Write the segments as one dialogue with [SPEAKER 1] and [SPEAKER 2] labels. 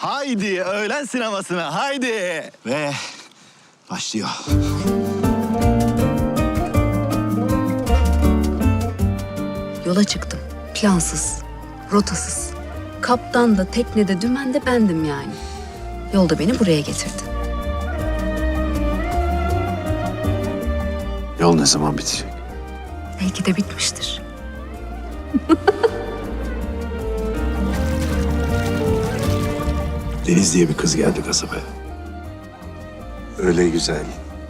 [SPEAKER 1] Haydi öğlen sinemasına haydi. Ve başlıyor.
[SPEAKER 2] Yola çıktım. Plansız, rotasız. Kaptan da teknede dümen de bendim yani. Yolda beni buraya getirdi.
[SPEAKER 3] Yol ne zaman bitecek?
[SPEAKER 2] Belki de bitmiştir.
[SPEAKER 3] Deniz diye bir kız geldi kasabaya. Öyle güzel.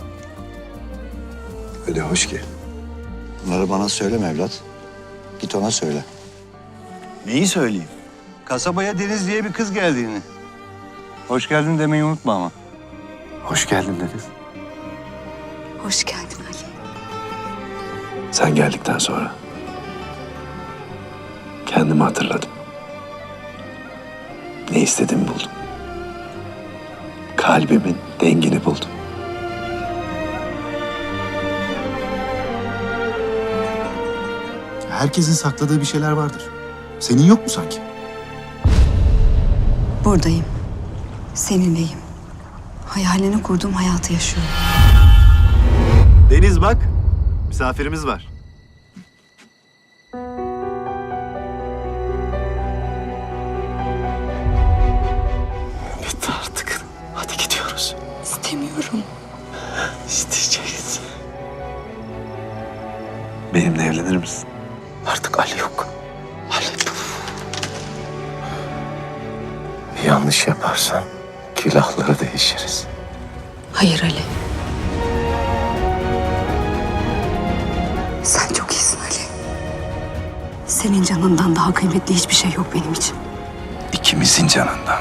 [SPEAKER 3] Öyle hoş ki.
[SPEAKER 4] Bunları bana söyleme evlat. Git ona söyle.
[SPEAKER 1] Neyi söyleyeyim?
[SPEAKER 5] Kasabaya Deniz diye bir kız geldiğini. Hoş geldin demeyi unutma ama.
[SPEAKER 3] Hoş geldin Deniz.
[SPEAKER 2] Hoş geldin Ali.
[SPEAKER 3] Sen geldikten sonra kendimi hatırladım. Ne istediğimi buldum. Kalbimin dengini buldum.
[SPEAKER 6] Herkesin sakladığı bir şeyler vardır. Senin yok mu sanki?
[SPEAKER 2] Buradayım. Seninleyim. Hayalini kurduğum hayatı yaşıyorum.
[SPEAKER 6] Deniz bak, misafirimiz var.
[SPEAKER 3] Bitti artık. Hadi gidiyoruz.
[SPEAKER 2] İstemiyorum.
[SPEAKER 3] İsteyeceğiz. Benimle evlenir misin? Artık Ali yok. Ali. Bir yanlış yaparsan külahları değişiriz.
[SPEAKER 2] Hayır Ali. Sen çok iyisin Ali. Senin canından daha kıymetli hiçbir şey yok benim için.
[SPEAKER 3] İkimizin canından.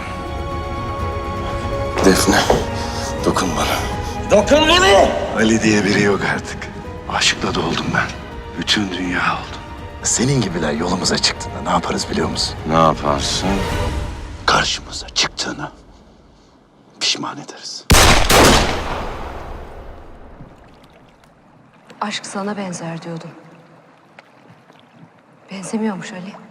[SPEAKER 3] Defne, dokun bana.
[SPEAKER 5] Dokun bana!
[SPEAKER 3] Ali diye biri yok artık. Aşkla doldum ben. Bütün dünya oldum. Senin gibiler yolumuza çıktığında ne yaparız biliyor musun?
[SPEAKER 5] Ne yaparsın?
[SPEAKER 3] Karşımıza çıktığını pişman ederiz.
[SPEAKER 2] Aşk sana benzer diyordum. Benzemiyormuş Ali.